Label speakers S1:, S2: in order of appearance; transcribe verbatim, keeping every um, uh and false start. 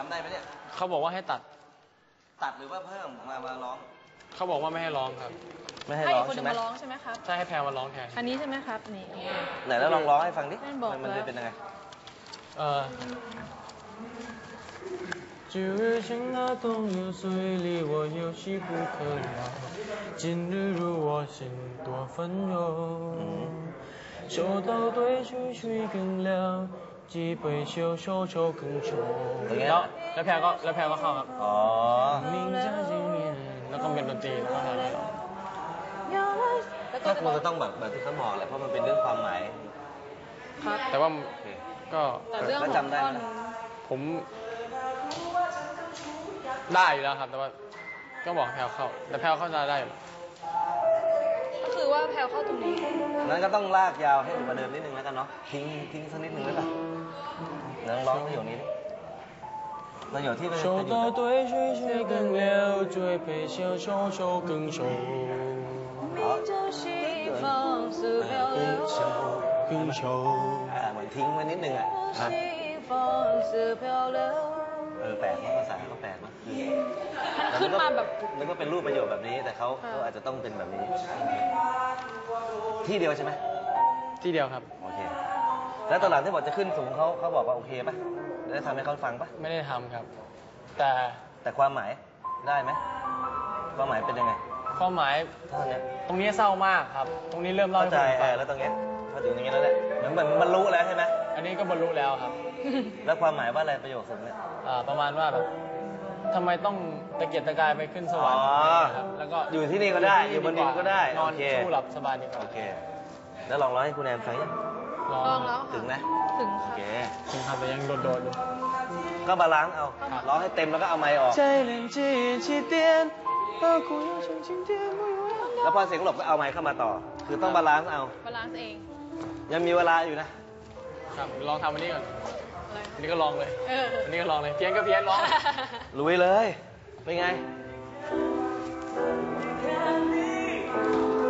S1: ำได้ไหมเนี่ย
S2: เขาบอกว่าให้ตัด
S1: ตัดหรือว่าเพิ่มมามาร้อง
S2: เขาบอกว่าไม่ให้ร้องครับ
S1: ไม่ให้ร้องใช่ไหม
S3: ร้องใช่ไหมครับ
S2: ใช่ให้แพรมาร้องแทน
S3: อันนี้ใช่ไหมครับนี่
S1: ไหนแล้วลองร้องให้ฟังดิมันจะเป็นยังไง
S2: เออ今日情那冬有水离我有些不可了今日如我心多纷扰秋到对水水更凉几杯酒手手更重แล้วแล้วแพรก็แล้วแพรก็เข้าครับ
S1: อ๋อ
S2: แล้วก็เป็นดนตรีแล้วก็ทำอะไร
S1: ก็คงจะต้องแบบแบบที่เขาบอกแหละเพราะมันเป็นเรื่องความหมาย
S2: ครับแต่ว่าก็
S1: ก็จำได้
S2: ผมได้อยู่แล้วครับแต่ว่าก็บอกแพลวเข้าแต่แพลวเข้าจะได้
S3: ก็คือว่าแพลวเข้าตรงนี้
S1: นั้นก็ต้องลากยาวให้ประเดิมนิดนึงแล้วกันเนาะทิ้งทิ้งสักนิดนึงได้ป่ะเดี๋ยวร้องประโยคนี้ดิประโยคที่เป็น
S2: 手到对水水更流追杯消愁愁更愁
S3: 明朝西方似飘流
S2: 更愁
S1: อ่าเหมือนทิ้งไว้นิดนึงอ่ะ
S3: 西方似飘流
S1: เออแปลกมากภาษาเขาแปลกมาก
S3: มันขึ้นมาแบบ
S1: แล้วก็เป็นรูปประโยคแบบนี้แต่เขาเขาอาจจะต้องเป็นแบบนี้ที่เดียวใช่ไหม
S2: ที่เดียวครับ
S1: โอเคแล้วตอนหลังที่บอกจะขึ้นสูงเขาเขาบอกว่าโอเคป่ะได้ทำให้เขาฟังป่ะ
S2: ไม่ได้ทำครับแต่
S1: แต่ความหมายได้ไหมความหมายเป็นยังไง
S2: ความหมาย
S1: เท่านี้
S2: ตรงนี้เศร้ามากครับตรงนี้เริ่มเล่า
S1: ให้ผมฟังแล้วตรงนี้พอถึงอย่างนี้แล้วแหละเหมือนเหมือนบรรลุแล้วใช่ไหม
S2: อันนี้ก็บรรลุแล้วครับ
S1: แล้วความหมายว่าอะไรประโยคสูงเนี่ย
S2: ประมาณว่าแบบทำไมต้องตะเกียกตะกายไปขึ้นสวรรค์ครับแล้วก็
S1: อยู่ที่นี่ก็ได้อยู่บนดินก็ได้
S2: นอนสู้หลับสบายดีกว่า
S1: โอเคแล้วลองร้องให้คุณแอมฟังยัง
S3: ลองแล้ว
S1: ถึงนะ
S3: ถึง
S1: โอเค
S2: ถึงครับแต่ยังโดดๆอยู่
S1: ก็บาลานซ์เอาร้องให้เต็มแล้วก็เอาไมค์ออกแล้วพอเสียงหลบก็เอาไมค์เข้ามาต่อคือต้องบาลานซ์เอา
S3: บาลานซ์เอง
S1: ยังมีเวลาอยู่นะครับ
S2: ลองทำอันนี้ก่อนอันนี้ก็ลองเลยอันนี้ก็ลองเลยเพี้ยนก็เพี้ยนร้อง
S1: ลุยเลยเป็นไง